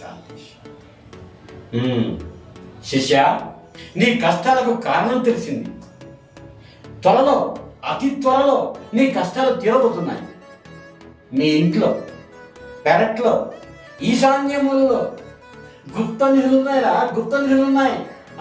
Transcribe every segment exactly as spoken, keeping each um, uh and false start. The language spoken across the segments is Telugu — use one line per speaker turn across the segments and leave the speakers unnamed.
శాంతి. శిష్య, నీ కష్టాలకు కారణం తెలిసింది. త్వరలో, అతి త్వరలో నీ కష్టాలు తీరబోతున్నాయి. మీ ఇంట్లో, పెరట్లో, ఈశాన్యములలో గుప్త నిధులు ఉన్నాయిరా, గుప్త నిధులు ఉన్నాయి.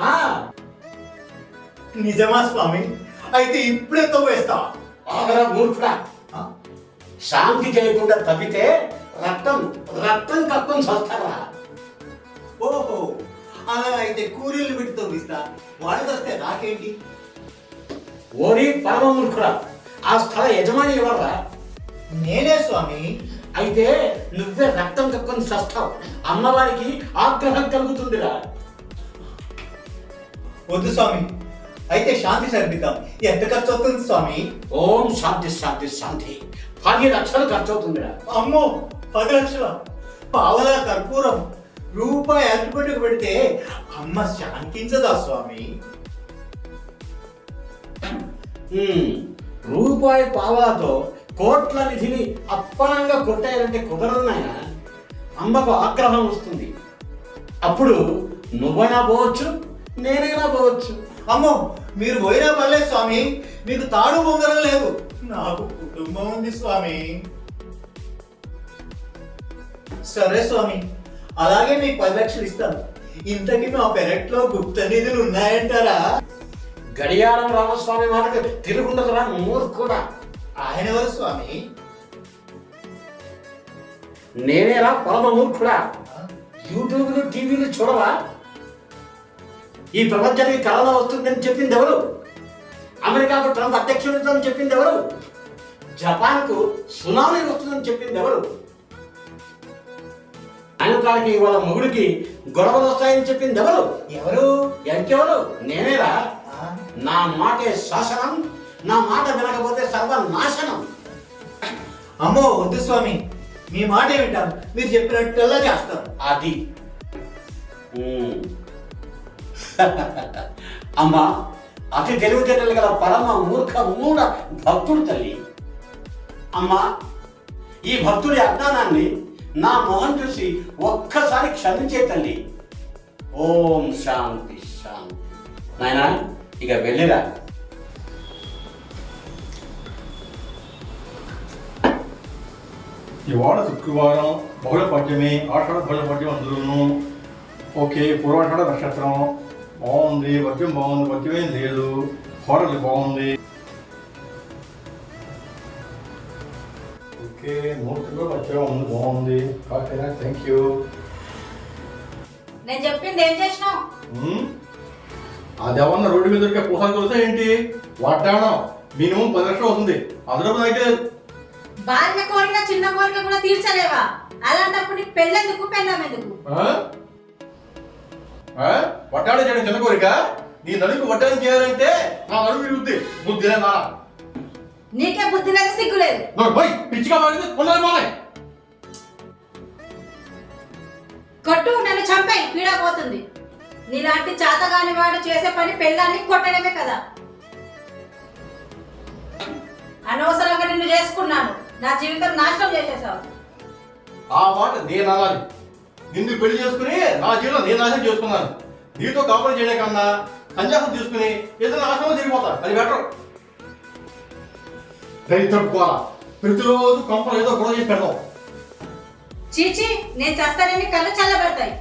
నిజమా స్వామి? అయితే ఇప్పుడే తవ్వేస్తా.
ఆగరా మూర్ఖుడా, శాంతి చేయకుండా తప్పితే రక్తం రక్తం కక్కుని చస్తారా?
ఓహో, అలా అయితే కూలీలు పెట్టి తవ్విస్తా. వాళ్ళు వస్తే నాకేంటి?
ఓరి పరమ మూర్ఖుడా, ఆ స్థల యజమాని ఎవర్రా?
నేనే స్వామి.
అయితే నువ్వే రక్తం కక్కుని చస్తావు. అమ్మవారికి ఆగ్రహం కలుగుతుందిరా.
వద్దు స్వామి, అయితే శాంతి సరిపిద్దాం. ఎంత ఖర్చు అవుతుంది స్వామి?
ఓం శాంతి శాంతి శాంతి. పది లక్షలు ఖర్చు అవుతుందిరా.
అమ్మో, పది లక్షల పావలా కర్పూరం రూపాయి అట్టుపెట్టుకు పెడితే అమ్మ శాంతించదా స్వామి?
రూపాయి పావలాతో కోట్ల నిధిని అప్పనంగా కొట్టారంటే కుదరదు నాయన. అమ్మకు ఆగ్రహం వస్తుంది. అప్పుడు నువ్వైనా పోవచ్చు, నేనైనా పోవచ్చు.
అమ్మో, మీరు పోయినా పర్లేదు స్వామి. మీకు తాడు బొంగరం లేదు, నాకు కుటుంబం ఉంది స్వామి. సరే స్వామి, అలాగే మీకు పది లక్షలు ఇస్తాను. ఇంతకీ మా పెరట్లో గుప్త నిధులు ఉన్నాయంటారా?
గడియారం రామస్వామి మాటకు తిరుగుండదురా మూర్ఖుడా.
ఆయన ఎవరు స్వామి?
నేనేరా పరమ మూర్ఖుడా. యూట్యూబ్లు టీవీలు చూడవా? ఈ ప్రపంచానికి కరోనా వస్తుందని చెప్పింది ఎవరు? అమెరికాకు ట్రంప్ అధ్యక్షుడిని చెప్పింది ఎవరు? జపాన్కు సునామీ వస్తుందని చెప్పింది ఎవరు? ఆయనకాడికి వాళ్ళ మొగుడికి గొడవలు వస్తాయని చెప్పింది ఎవరు?
ఎవరు?
ఎంకెవరు? నేనేరా. నా మాటే శాసనం, నా మాట వినకపోతే సర్వనాశనం.
అమ్మో వద్దు స్వామి, మీ మాట వింటాను. మీరు చెప్పినట్టులా చేస్తాను.
అది అమ్మా, అతి తెలివితేటలు గల పరమ మూర్ఖ మూఢ భక్తుడు తల్లి. అమ్మా, ఈ భక్తుడి అజ్ఞానాన్ని నా మొహం చూసి ఒక్కసారి క్షమించే తల్లి. ఓం శాంతి శాంతి. నాయనా, ఇక వెళ్ళిరా.
ఇవాళ శుక్రవారం, బహుళ పద్యమే, ఆషాఢ బహుళ పద్యం అందులోను. ఓకే, పూర్వాషాఢ నక్షత్రం బాగుంది, పద్యం బాగుంది, పద్యం ఏం లేదు, హోటల్ బాగుంది. ఓకే, మూర్తిలో పద్యం ఉంది, బాగుంది. ఓకేనా, థ్యాంక్ యూ.
నేను చెప్పింది ఏం చేసినావు?
అదేమన్నా రోడ్డు మీద దొరికే పూసాలు తెలుసా ఏంటి? వాటాడం మినిమం పది లక్షలు అవుతుంది. అందులో అయితే
భార్య కోరిక చిన్న కోరిక కూడా తీర్చలేవా? అలాంటప్పుడు నీకు పెళ్ళెందుకు, పెళ్ళాం ఎందుకు?
వడ్డాడు చేయడం చిన్న కోరిక? నీ నడుకు వడ్డానం చేయాలంటే నా నడుపు విరుగుద్ది. బుద్ధి లేదా?
నీకే బుద్ధి లేదు, సిగ్గు లేదు.
పిచ్చిగా మారింది, పొందాలి మానే.
కొట్టు, నన్ను చంపాయి, పీడా పోతుంది. నీలాంటి చాతగాని వాడు చేసే పని పెళ్ళాన్ని కొట్టడమే కదా. అనవసరంగా నిన్ను చేసుకున్నాను, నా జీవితం నాశనం చేసేసావు.
ఆ మాట నేను అనాలి. నిన్ను పెళ్లి చేసుకుని నా జీవితం నేను నాశనం చేసుకున్నాను. నీతో కాపురం చేయడం కన్నా సన్యాసం తీసుకుని ఏదైనా ఆశ్రమం తిరిగిపోతా, అది బెటర్. దరిద్రపోవాలా, ప్రతిరోజు కంపలు ఏదో గొడవ చేసి పెడతాం.
చీచి, నేను చేస్తానని కళ్ళు చల్లబడతాయి.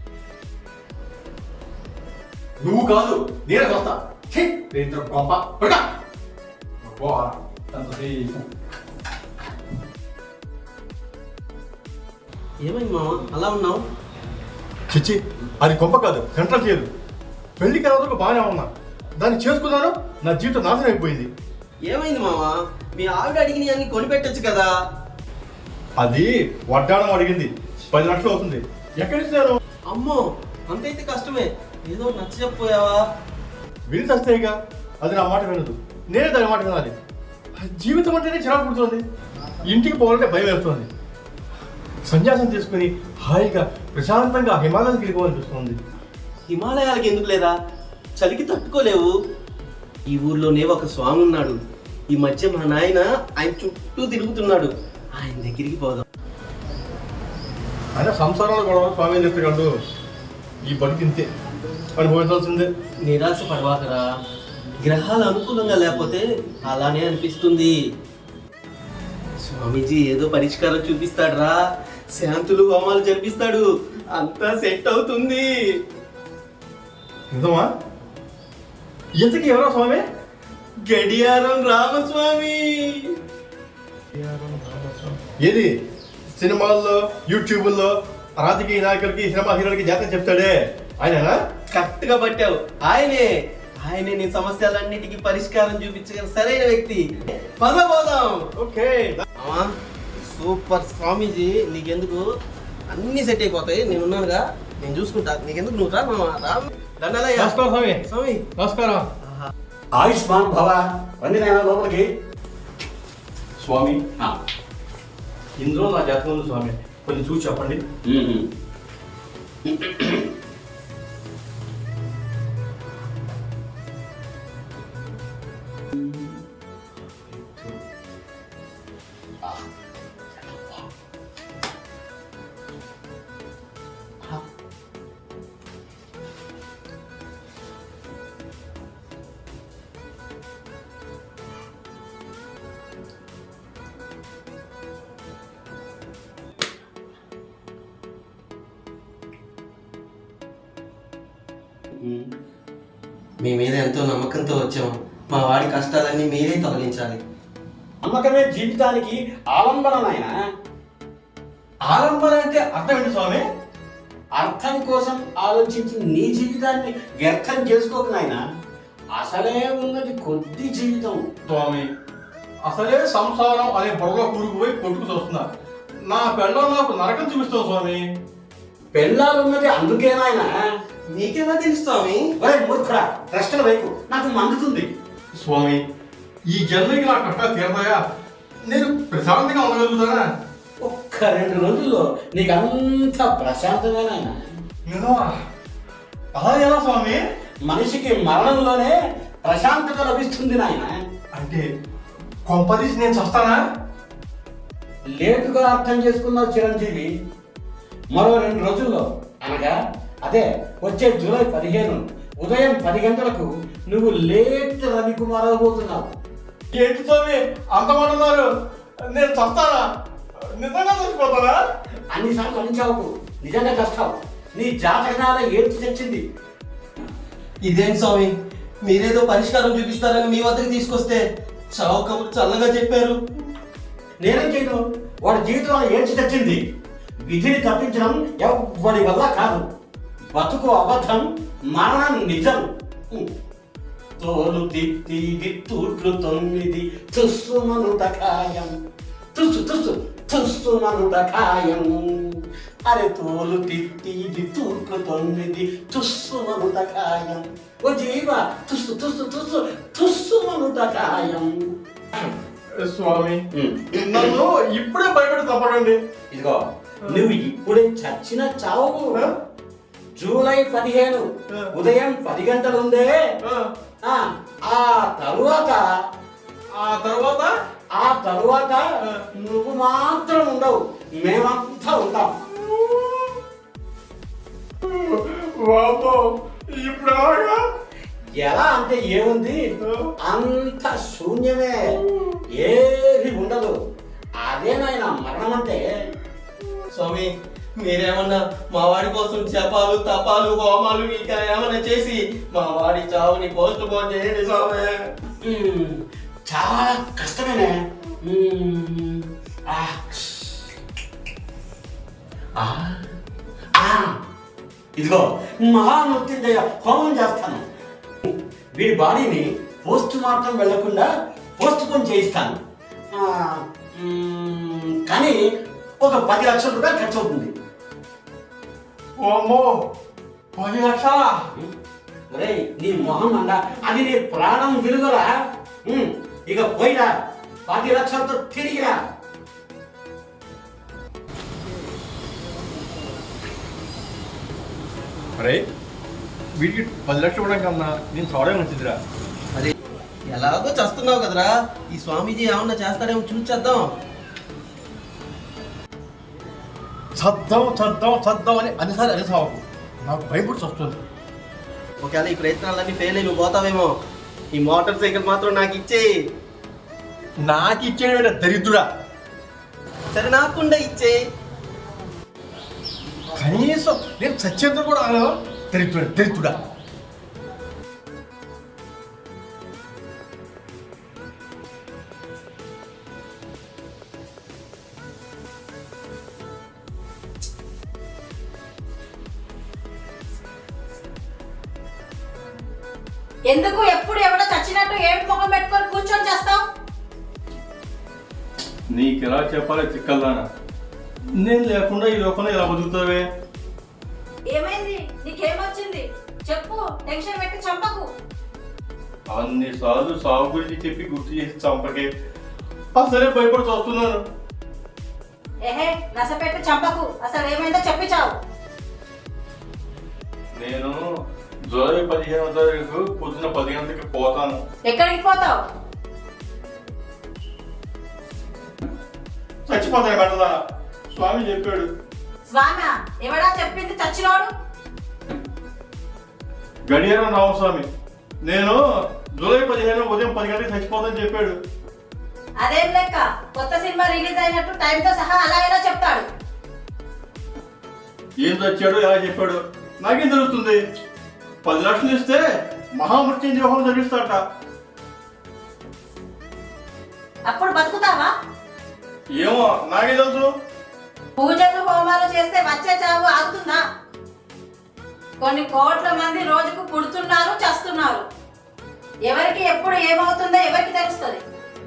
నువ్వు కాదు, నేనే వస్తా. దరిద్ర కొంప పడక.
ఏమైంది మామ అలా ఉన్నావు?
చిచ్చి, అది కొంప కాదు, సెంట్రల్ జైలు. పెళ్లికి రోజులకు బాగానే ఉన్నా, దాన్ని చేసుకున్నాను, నా జీవితం నాశనం అయిపోయింది.
ఏమైంది మామ? మీ ఆవిడ అడిగిన అన్ని కొనిపెట్టచ్చు కదా.
అది వడ్డాణం అడిగింది, పది లక్షలు అవుతుంది. ఎక్కడిస్తారు?
అమ్మో, అంతైతే కష్టమే. ఏదో నచ్చ చెప్పపోయావా?
విని చస్తేగా, అది నా మాట వినదు, నేనే దాని మాట వినాలి. జీవితం అంటేనే చిరాకు పుడుతుంది, ఇంటికి పోవాలంటే భయం వేస్తుంది. సన్యాసం తీసుకుని హాయిగా ప్రశాంతంగా హిమాలయానికి వెళ్ళిపోవాలనిపిస్తుంది.
హిమాలయాలకి ఎందుకు లేదా? చలికి తట్టుకోలేవు. ఈ ఊర్లోనే ఒక స్వామి ఉన్నాడు. ఈ మధ్య మా నాయన ఆయన చుట్టూ తిరుగుతున్నాడు. ఆయన దగ్గరికి పోదాం.
ఆయన సంసారంలో గొడవ స్వామి చెప్తాడు ఈ బతికింతే అనుభవించాల్సిందే.
నిరాశ పడవాకరా, గ్రహాలు అనుకూలంగా లేకపోతే అలానే అనిపిస్తుంది. స్వామీజీ ఏదో పరిష్కారం చూపిస్తాడురా, శాంతులు హోమాలు జరిపిస్తాడు, అంతా సెట్ అవుతుంది.
నిజమా? ఇంతకీ ఎవరో స్వామి?
గడియారం రామస్వామి.
ఏది సినిమాల్లో యూట్యూబ్లో రాజకీయ నాయకులకి సినిమా హీరోలకి జాతకం చెప్తాడే ఆయననా?
కరెక్ట్ గా పట్టావు, ఆయనే ఆయనే నీ సమస్యలన్నిటికీ పరిష్కారం చూపించగల సరైన వ్యక్తి. పద పోదాం.
ఓకే.
అమ్మా సూపర్ స్వామీజీ, నీకెందుకు అన్ని సెట్ అయిపోతాయి, నేను ఉన్నానుగా, నేను చూసుకుంటా, నీకెందుకు నువ్వు రా మామ, రా. దండాలయ్య.
నమస్కారం స్వామి.
స్వామి
నమస్కారం.
ఆయుష్మాన్ భవ. రండి నాయన లోపలికి.
స్వామి ఇందులో నా జాతకం ఉంది స్వామి, కొంచెం చూసి చెప్పండి.
మీ మీద ఎంతో నమ్మకంతో వచ్చాము, మా వాడి కష్టాలన్నీ మీరే తొలగించాలి.
నమ్మకమే జీవితానికి ఆలంబన నాయన.
ఆలంబన అంటే అర్థం ఏంటి స్వామి?
అర్థం కోసం ఆలోచించి నీ జీవితాన్ని వ్యర్థం చేసుకోకు నాయన. అసలే ఉన్నది కొద్ది జీవితం.
స్వామి అసలే సంసారం అనే బొరలో కూరుకుపోయి కొట్టుకు చూస్తున్నా, నా పెళ్ళం నాకు నరకం చూపిస్తాం స్వామి.
పెళ్ళాలున్నది అందుకే నాయన.
నీకెలా తెలుసు స్వామి?
ఒరే మూర్ఖుడా, ప్రశ్నల వైపు నాకు మండుతుంది.
స్వామి ఈ జన్మకి నా కష్టాలు తీరతాయా? నేను ప్రశాంతంగా ఉండగలుగుతానా?
ఒక్క రెండు రోజుల్లో నీకు అంత ప్రశాంతమే నాయన.
నిజమా? అలా ఎలా స్వామి?
మనిషికి మరణంలోనే ప్రశాంతత లభిస్తుంది నాయన.
అంటే కొంపదీసి నేను చస్తానా?
లేటుగా అర్థం చేసుకున్నావు చిరంజీవి. మరో రెండు రోజుల్లో అనగా అదే వచ్చే జూలై పదిహేను ఉదయం పది గంటలకు నువ్వు లేట్ రవికుమార్ అవబోతున్నావు.
ఏంటి స్వామి అంతమంటున్నారు? నేను చస్తానా? నిజంగా చచ్చిపోతానా?
అన్నిసార్లు అంచావు, నిజంగా కష్టావు. నీ జాతకాల ఏడ్చి తెచ్చింది.
ఇదేంటి స్వామి, మీరేదో పరిష్కారం చూపిస్తారని మీ వద్దకు తీసుకొస్తే చావు కబురు చల్లగా చెప్పారు.
నేనేం చేయను, వాడి జీవితంలో ఏడ్చి తెచ్చింది. విధిని తప్పించడం ఎవ్వడి వల్ల కాదు. బతుకు అబద్ధం, మరణం నిజం. తోలు తిత్తి దిత్తూట్లు తొమ్మిది తుస్సుమనుట ఖాయం. తుస్సు తుస్సు తుస్సుమనుట ఖాయం. అరే తోలు తిత్తి దిత్తూట్లు తొమ్మిది తుస్సుమనుట ఖాయం. ఓ జీవ తుస్సు తుస్సు తుస్సు తుస్సుమనుట ఖాయం.
స్వామి నన్ను ఇప్పుడే భయపెట్టి తప్పడండి.
ఇదిగో నువ్వు ఇప్పుడే చచ్చిన చావు. జూలై పదిహేను ఉదయం పది గంటలు ఉందే, ఆ తరువాత
ఆ తర్వాత
ఆ తరువాత నువ్వు మాత్రం ఉండవు, మేమంతా ఉంటాం.
ఇప్పుడు
ఎలా అంటే ఏముంది, అంత శూన్యమే, ఏది ఉండదు. అదేనాయన మరణం అంటే.
స్వామి మీరేమన్నా మా వాడి కోసం జపాలు తపాలు హోమాలు ఇంకా ఏమన్నా చేసి మా వాడి చావుని పోస్ట్ పోన్ చేయండి స్వామి.
ఉమ్, చాలా కష్టమేనే. ఉమ్, ఆ, ఆ, ఆ, ఇదిగో మహామృత్యుంజయ హోమం చేస్తాను. వీడి బాడీని పోస్ట్ మార్టం వెళ్లకుండా పోస్ట్ పోన్ చేయిస్తాను. ఆ, ఉమ్, కానీ ఒక పది లక్షల రూపాయలు ఖర్చు అవుతుంది.
ఓమో పది లక్షల?
ఒరే నీ మొహం అండ, అది నీ ప్రాణం విలువరా. ఉమ్, ఇక పోయిరా, పది లక్షలతో తిరిగిరా.
అరే వీటికి పది లక్షలు ఇవ్వడం కన్నా నేను చూడడం మంచిదిరా.
అదే ఎలాగో చేస్తున్నావు కదరా, ఈ స్వామీజీ ఏమన్నా చేస్తాడేమో చూసేద్దాం.
చద్దాం చద్దాం చద్దాం అని అన్నిసార్లు అనిసావు నాకు భయపడి వస్తుంది.
ఒకవేళ ఈ ప్రయత్నాలన్నీ ఫెయిల్ అయి నువ్వు పోతావేమో, ఈ మోటార్ సైకిల్ మాత్రం నాకు ఇచ్చేయి.
నాకు ఇచ్చేట దరిద్రుడా.
సరే నాకుండా ఇచ్చేయి.
కనీసం నేను చచ్చేందుకు కూడా అనగా దరిద్రుడా దరిద్రుడా.
ఎందుకు ఎప్పుడు ఎవడో చచ్చినట్టు ఏడు ముఖం పెట్టుకొని కూర్చొని చేస్తావు?
నీకు ఎలా చెప్పాలి చిక్కల్దానా? నేను లేకుండా ఈ లోకంలో ఎలా బతుకుతావే?
ఏమైంది? నీకేమొచ్చింది చెప్పు, టెన్షన్ పెట్టి చంపకు.
అన్నిసార్లు సాగు గురించి చెప్పి గుర్తు చేసి చంపకే అసలే భయపడి చూస్తున్నాను.
ఏహే నస పెట్టి చంపకు, అసలు ఏమైందో చెప్పి చావు.
నేను జూలై పదిహేనవ తారీఖు పొద్దున పది గంటలకి పోతాను.
ఎక్కడికి పోతావు?
చచ్చిపోతాను కట్టదా స్వామి చెప్పాడు.
స్వామి ఎవడా చెప్పింది చచ్చినోడు?
గడియారం రామస్వామి. నేను జూలై పదిహేను ఉదయం పది గంటలకు చచ్చిపోతానని చెప్పాడు.
అదేం లెక్క, కొత్త సినిమా రిలీజ్ అయినట్టు టైంతో సహా అలా ఎలా చెప్తాడు?
ఏం చచ్చాడు ఎలా చెప్పాడు నాకేం తెలుస్తుంది? పది లక్షలు ఇస్తే మహామృత్యుంజయ హోమం జరిగిస్తాడట.
అప్పుడు బతుకుతావా?
ఏమో నాకే తెలుసు.
పూజలు హోమాలు చేస్తే వచ్చే చావు ఆగుతుందా? కొన్ని కోట్ల మంది రోజుకు పుడుతున్నారు చస్తున్నారు. ఎవరికి ఎప్పుడు ఏమవుతుందో ఎవరికి తెలుస్తుంది?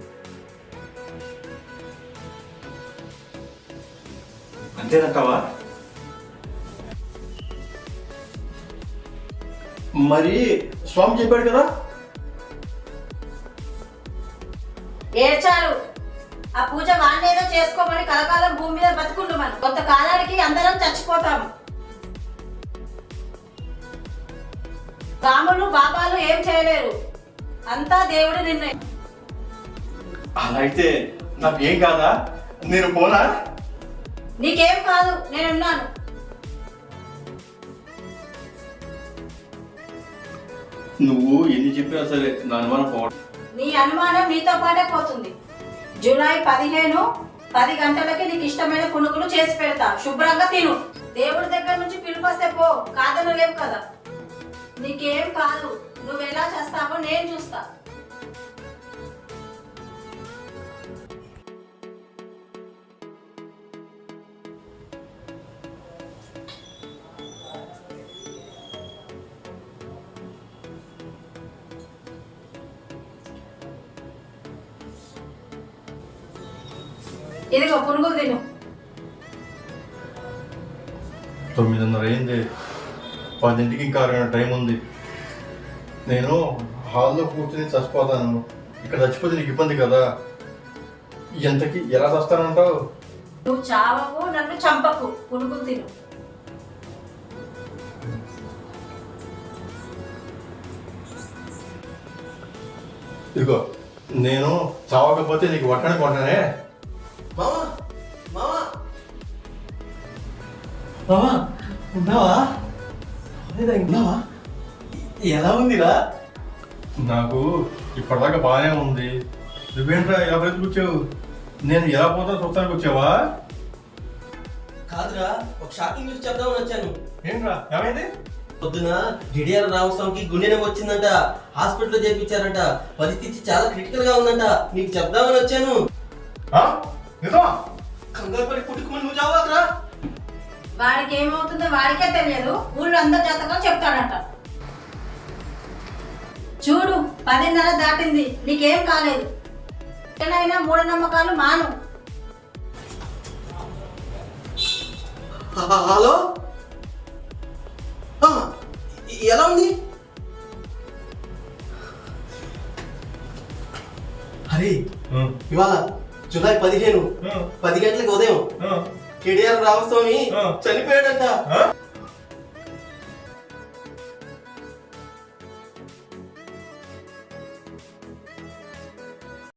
అంతేనంటావా? మరి స్వామి చెప్పాడు కదా.
ఏడ్చారు. ఆ పూజ వాణ్ణేదో చేసుకోమని కలకాలం భూమి మీద బతుకుండు. మనం కొంతకాలానికి అందరం చచ్చిపోతాము. రాములు బాబాలు ఏం చేయలేరు, అంతా దేవుడి నిర్ణయం.
అలా అయితే నాకేం కాదా? నేను పోనా?
నీకేం కాదు, నేనున్నాను.
నువ్వు ఎన్ని చెప్పినా సరే నా అనుమానం పోవడం.
నీ అనుమానం నీతో పాటే పోతుంది. జూలై పదిహేను పది గంటలకి నీకు ఇష్టమైన పునుగులు చేసి పెడతా, శుభ్రంగా తిను. దేవుడి దగ్గర నుంచి పిలుపు వస్తే పో, కాదను లేవు కదా. నీకేం కాదు, నువ్వు ఎలా చేస్తావో నేను చూస్తా. ఇదిగో పునుగులు తిను.
తొమ్మిదిన్నర అయింది, పదింటికి ఇంకా అరగంట టైం ఉంది. నేను హాల్లో కూర్చొని చచ్చిపోతాను. ఇక్కడ చచ్చిపోతే నీకు ఇబ్బంది కదా. ఎంతకి ఎలా చస్తానంటావు?
నువ్వు చావకు, నన్ను చంపకు, పునుగులు తిను.
ఇదిగో నేను చావకపోతే నీకు వట్టని కొంటానే.
మామా మామా
మామా ఉన్నావా? ఉన్నావా? ఎలా ఉందిరా?
నాకు ఇప్పటిదాకా బాగానే ఉంది. నువ్వేంట్రా ఎలా బ్రతికొచ్చావు? నేను ఎలా పోతా చూస్తానికి వచ్చావా?
కాదురా, ఒక షాకింగ్ న్యూస్ చెప్దామని వచ్చాను.
ఏంట్రా ఏమైంది?
పొద్దున డిడిఆర్ రామస్వామికి గుండె నొప్పి వచ్చిందంట, హాస్పిటల్లో చేర్పించారంట. పరిస్థితి చాలా క్రిటికల్ గా ఉందంట, నీకు చెప్దామని వచ్చాను.
నిజమా?
కంగారు పడి పుట్టుకుమని నువ్వు చావాకరా.
వాడికి ఏమవుతుందో వాడికే తెలియదు, ఊళ్ళో అందరి జాతకాలు చెప్తాడంట. చూడు పదిన్నర దాటింది, నీకేం కాలేదు. ఏనైనా మూఢనమ్మకాలు మాను.
హలో, ఎలా ఉంది? హరి, ఇవాళ జూలై పదిహేను పది గంటలకు ఉదయం కేడిఆర్ రామస్వామి చనిపోయాడంట.